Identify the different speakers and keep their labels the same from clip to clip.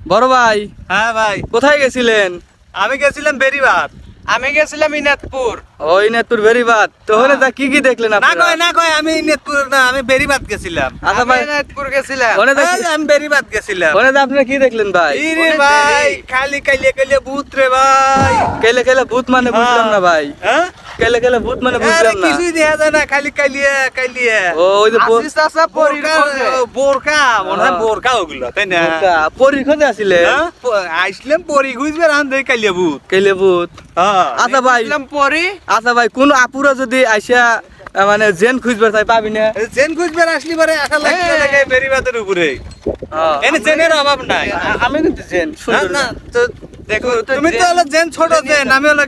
Speaker 1: বড় ভাই,
Speaker 2: হ্যাঁ ভাই,
Speaker 1: কোথায় গেছিলেন?
Speaker 2: আমি গেছিলাম বেরিবাদ।
Speaker 3: আমি গেছিলাম ইনাদপুর।
Speaker 1: ওই নেতুর ভেরিবাদ তো হলে তা কি কি দেখলেন
Speaker 2: না
Speaker 1: আপনারা?
Speaker 2: কয় না কয়, আমি নেতপুর না, আমি বেরিবাদ গেছিলাম।
Speaker 1: আচ্ছা
Speaker 3: আমি
Speaker 1: ভাই,
Speaker 3: ইনাদপুর গেছিলাম।
Speaker 1: ওনে তা
Speaker 2: এই, আমি বেরিবাদ গেছিলাম।
Speaker 1: ওনে তা আপনারা কি দেখলেন ভাই?
Speaker 2: ইরে ভাই, খালি কাইলে কাইলে ভূত রে ভাই।
Speaker 1: কেলে কেলে ভূত মানে বুঝলাম না ভাই।
Speaker 2: হ্যাঁ?
Speaker 1: কেলে কেলে ভূত মানে
Speaker 2: আরে
Speaker 1: বুঝলাম না।
Speaker 2: কিছুই দেখা যায় না, খালি কাইলিয়া কাইলিয়া।
Speaker 1: ও ওই যে
Speaker 3: আসিস চাচা পরির খোঁজে।
Speaker 2: বোরকা, মনে হয়
Speaker 1: হ্যাঁ।
Speaker 2: বোরকা ওগুলো, তাই না?
Speaker 1: পরীর খোঁজে আসিলে
Speaker 2: হ্যাঁ? আইসলাম পরি খুঁজবে, রান দেই কাইলিয়া ভূত।
Speaker 1: কেলে ভূত।
Speaker 2: হ্যাঁ।
Speaker 1: আচ্ছা ভাই,
Speaker 3: গেছিলাম পরি।
Speaker 1: আচ্ছা ভাই, কোন আপুরা যদি আইসা মানে জেন খুঁজবে তাই পাবি না?
Speaker 2: জেন খুঁজবে আসলি পরে আশা লাগছে
Speaker 3: হ্যাঁ।
Speaker 2: দেখে বেরিবাদের উপরে। এনে জেনের অভাব নাই।
Speaker 1: আমি কিন্তু জেন
Speaker 2: না,
Speaker 1: সুন্দর
Speaker 2: না, তো দেখো,
Speaker 3: তো
Speaker 2: তুমি তো
Speaker 3: জেন-
Speaker 2: হলো জেন, ছোট জেন, আমি হলো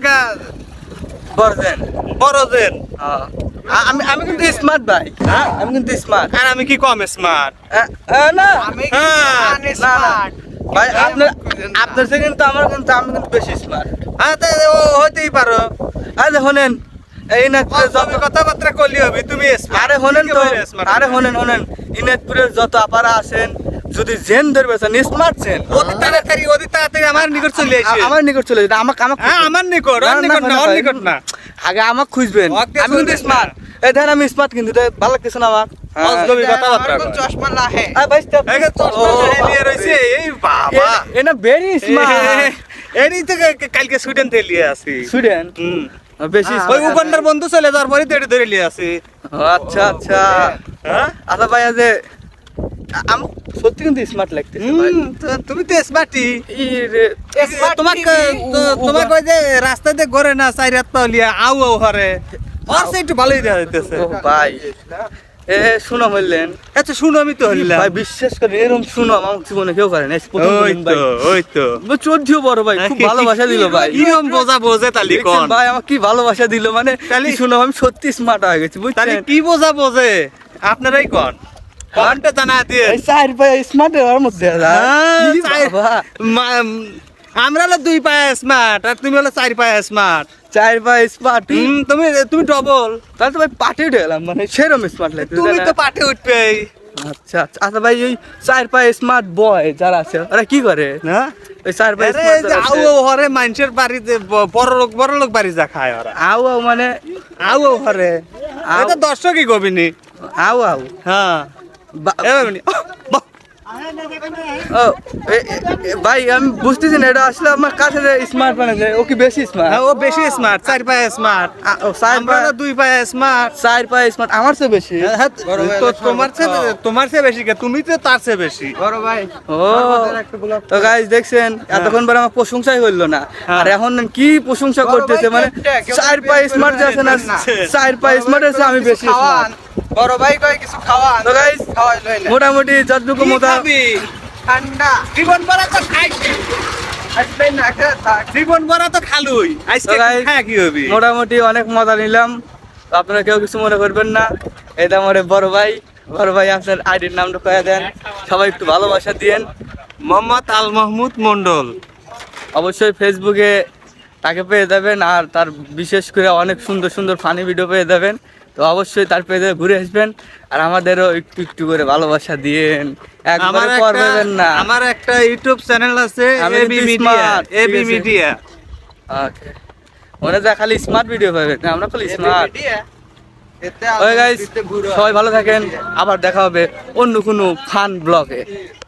Speaker 1: বড় জেন।
Speaker 2: বড় জেন।
Speaker 1: আমি আমি কিন্তু স্মার্ট ভাই।
Speaker 2: হ্যাঁ?
Speaker 1: আমি কিন্তু স্মার্ট।
Speaker 2: আর আমি কি কম স্মার্ট?
Speaker 1: না
Speaker 3: আমি
Speaker 2: হ্যাঁ,
Speaker 3: স্মার্ট।
Speaker 1: ভাই, আপনার থেকে কিন্তু আমি কিন্তু বেশি স্মার্ট।
Speaker 2: হ্যাঁ, তা ও হইতেই পারো।
Speaker 1: আরে শোনেন, এই নেটপুরে
Speaker 2: তুমি কথাবার্তা করলি হবে, তুমি smart।
Speaker 1: আরে শোনেন তো,
Speaker 2: একেবারে smart।
Speaker 1: আরে শোনেন ইনেটপুরের যত আপারা আছেন, যদি জেন ধরবে স্মার্ট জেন
Speaker 2: অতি তাড়াতাড়ি আমার নিকট চলে আসে।
Speaker 1: আমার নিকট চলে যেতে আমাকে
Speaker 2: হ্যাঁ, আমার নিকট, ওর নিকট না, ওর নিকট না।
Speaker 1: আগে আমাকে খুঁজবেন।
Speaker 2: ওকে
Speaker 1: আমি কিন্তু
Speaker 2: খুঁজবেন
Speaker 1: স্মার্ট।
Speaker 2: না।
Speaker 1: এই দেখেন আমি স্মার্ট, কিন্তু এটা ভালো লাগতেছে না আমার।
Speaker 2: অজগবি কথাবার্তা
Speaker 3: আমার কোন
Speaker 2: কয়।
Speaker 3: চশমা লাহে।
Speaker 1: ভাই
Speaker 2: এই যে চশমা নিয়ে রয়েছে, এই বাবা।
Speaker 1: এটা ভেরি স্মার্ট।
Speaker 2: এরই তো কালকে সুইডেন থেকে লিয়ে আসি।
Speaker 1: সুইডেন
Speaker 2: হুম।
Speaker 1: বেশি
Speaker 2: ওই
Speaker 1: smart।
Speaker 2: উগান্ডার বন্ধু চলে যাওয়ার পরে তো এটা ধরে লিয়ে আসি।
Speaker 1: আচ্ছা আচ্ছা।
Speaker 2: হ্যাঁ?
Speaker 1: আচ্ছা ভাই, আজ আমি সত্যি কিন্তু স্মার্ট লাগতেছে ভাই।
Speaker 2: তুমি তো স্মার্টই।
Speaker 1: ইরে,
Speaker 3: Smart
Speaker 2: তোমাকে
Speaker 3: TV,
Speaker 2: তোমাকে ওই যে রাস্তাতে ঘরে না চাই রাত পাওলিয়া আউ আউ হরে, আর সে একটু ভালোই দেখা যাইতেছে।
Speaker 1: ও ভাই, শুনো বললেন
Speaker 2: আচ্ছা শুনো, আমি তো হইলাম।
Speaker 1: ভাই, বিশ্বাস করে এরকম শুনো আমার জীবনে কেউ করে না।
Speaker 2: ওই তো, ওই তো।
Speaker 1: চোদ্দিও বড় ভাই খুব ভালোবাসা দিল ভাই।
Speaker 2: কিরম বোঝা বোঝে তালি
Speaker 1: দেখছেন
Speaker 2: কোন?
Speaker 1: ভাই, আমার কি ভালোবাসা দিল, মানে
Speaker 2: তালি-
Speaker 1: কি শুনো, আমি সত্যি স্মার্ট হয়ে গেছি
Speaker 2: তালি
Speaker 1: বুঝছেন।
Speaker 2: কি বোঝা বোঝে? আপনারাই কোন? কমেন্টে জানা দিয়ে।
Speaker 1: এই চার ভাই স্মার্ট হওয়ার মধ্যে
Speaker 2: আমরা হলো 2 পায়ে স্মার্ট, আর তুমি হলো 4 পায়ে স্মার্ট।
Speaker 1: চার ভাই স্মার্ট,
Speaker 2: তুমি তুমি ডবল।
Speaker 1: তাহলে তো ভাই পাঠিয়ে গেলাম, মানে সেরকম স্মার্ট লাগছে।
Speaker 2: তুমি তো পাঠে উঠবেই।
Speaker 1: আচ্ছা আচ্ছা। আচ্ছা ভাই, ওই চার পায়ে স্মার্ট বয় যারা আছে ওরা কি করে?
Speaker 2: না?
Speaker 1: ওই চার পায়ে
Speaker 2: আরে
Speaker 1: স্মার্ট
Speaker 2: এই যে আউ আউ হরে মানুষের বাড়িতে বড় লোক বাড়ি যা খায় ওরা।
Speaker 1: আউ আউ মানে
Speaker 2: আউ আউ হরে।
Speaker 1: আউ।
Speaker 2: এটা দর্শকই কবিনি।
Speaker 1: আউ আউ
Speaker 2: হ্যাঁ। এভাবে
Speaker 1: ও, ভাই আমি বুঝতেছি না, এটা আসলে আমার কাছে স্মার্ট বানাচ্ছে, ও কি বেশি স্মার্ট?
Speaker 2: হ্যাঁ, ও বেশি স্মার্ট, 4 পায়ে স্মার্ট। আমরা হলো 2 পায়ে স্মার্ট।
Speaker 1: চার পায়ে স্মার্ট আমার চেয়ে বেশি।
Speaker 2: তো তোমার চেয়ে বেশি কে? তুমি তো তার চেয়ে বেশি।
Speaker 3: বড় ভাই।
Speaker 1: ও, তো গাইস দেখছেন, এতক্ষণ পরে আমার প্রশংসাই হইলো না, আর এখন কি প্রশংসা করতেছে, মানে চার পায়ে স্মার্ট যে আছে না, চার পায়ে স্মার্ট আছে আমি বেশি
Speaker 3: খাওয়ান।
Speaker 1: smart।
Speaker 3: বড় ভাই কয় কিছু খাওয়ান।
Speaker 1: তো গাইস
Speaker 3: খাওয়াই লইলে।
Speaker 1: মোটামুটি যতটুকু
Speaker 2: কি
Speaker 1: মতো
Speaker 2: খাবি?
Speaker 3: ঠান্ডা।
Speaker 2: জীবন ভরা তো খাইছি।
Speaker 3: আসবে না খেয়ে থাক।
Speaker 2: জীবন ভরা তো খালুই। আজকে
Speaker 1: তো guys,
Speaker 2: খায় কি হবি?
Speaker 1: মোটামুটি অনেক মজা নিলাম, তো আপনারা কেউ কিছু মনে করবেন না। এটা আমার বড় ভাই। বড় ভাই, আপনার আইডির নামটা কয়ে দেন, সবাই একটু ভালোবাসা দিয়েন।
Speaker 2: মোহাম্মদ আল মাহমুদ মন্ডল।
Speaker 1: অবশ্যই ফেসবুকে তাকে পেয়ে যাবেন, আর তার বিশেষ করে অনেক সুন্দর সুন্দর ফানি ভিডিও পেয়ে যাবেন। তো অবশ্যই তার পেজে ঘুরে আসবেন, আর আমাদেরও একটু একটু করে ভালোবাসা দিয়েন, একবারে করবেন না।
Speaker 2: আমার একটা ইউটিউব চ্যানেল আছে,
Speaker 1: আমি
Speaker 2: এবি
Speaker 1: কিন্তু
Speaker 2: মিডিয়া।
Speaker 1: smart,
Speaker 2: এবি
Speaker 1: ঠিক আছে।
Speaker 2: মিডিয়া।
Speaker 1: ওকে, মনে যা খালি স্মার্ট ভিডিও পাবেন, আমরা খালি স্মার্ট।
Speaker 3: এতে
Speaker 1: ওকে গাইস,
Speaker 3: আলু দিতে গুঁড়ো।
Speaker 1: সবাই ভালো থাকেন, আবার দেখা হবে অন্য কোনো ফান ব্লগে।